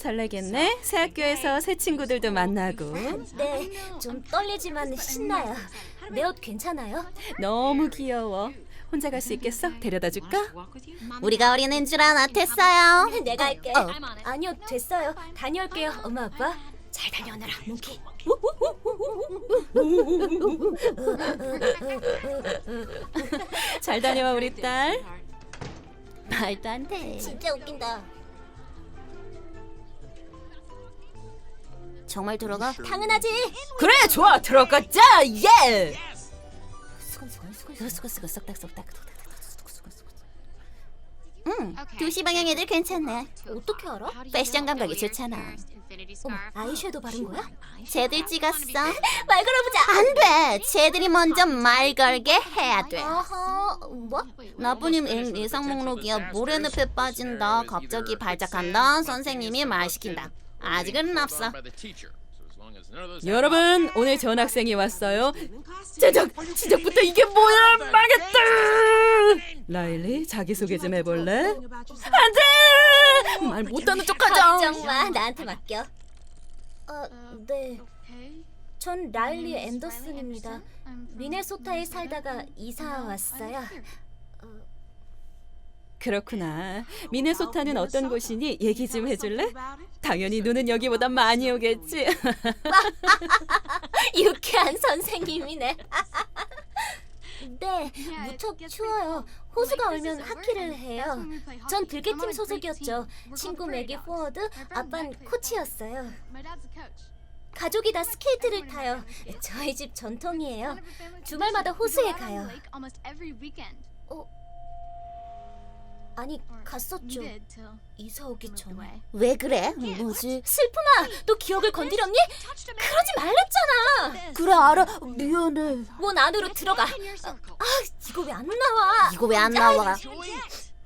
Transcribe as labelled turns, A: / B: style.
A: 설레겠네. 새 학교에서 새 친구들도 만나고.
B: 네, 좀 떨리지만 신나요. 내 옷 괜찮아요?
A: 너무 귀여워. 혼자 갈 수 있겠어? 데려다 줄까?
C: 우리가 어린애인 줄 아나 됐어요.
B: 내가 할게. 아니요, 됐어요. 다녀올게요, 엄마 아빠. 잘 다녀오너라, 몽키.
A: 잘 다녀와 우리 딸. 말도 안 돼.
B: 진짜 웃긴다.
C: 정말 들어가?
B: 당연하지.
A: 그래, 좋아. 들어가자. 예.
C: 수고수고 쏙닥쏙닥. 2시 방향 애들 괜찮네.
B: 어떻게 알아?
C: 패션 감각이 좋잖아.
B: 어머, 아이섀도우 바른 거야?
C: 쟤들 찍었어.
B: 말 걸어보자.
C: 안 돼. 쟤들이 먼저 말 걸게 해야 돼.
B: 아하, 뭐?
C: 나쁜님 예상 목록이야. 모래늪에 빠진다. 갑자기 발작한다. 선생님이 말 시킨다. 아직은 없어.
A: 여러분, 오늘 전학생이 왔어요. 시작부터 이게 뭐야? 망했다. 라일리, 자기소개 좀 해볼래? 안돼! 말 못하는 척하자.
B: 걱정 마, 나한테 맡겨. 네. 전 라일리 앤더슨입니다. 미네소타에 살다가 이사 왔어요.
A: 그렇구나. 미네소타는 어떤 곳이니? 얘기 좀 해줄래? 당연히 눈은 여기보다 많이 오겠지.
B: 유쾌한 선생님이네. 네, 무척 추워요. 호수가 얼면 하키를 해요. 전 들개팀 소속이었죠. 친구 맥이 포워드, 아빤 코치였어요. 가족이 다 스케이트를 타요. 저희 집 전통이에요. 주말마다 호수에 가요. 아니, 갔었죠. 이사 오기 전에.
C: 왜 그래? 뭐지?
B: 슬픔아, 너 기억을 건드렸니? 그러지 말랬잖아.
C: 그래 알아. 미안해.
B: 문 안으로 들어가. 이거 왜 안 나와?
C: 이거 왜 안 나와?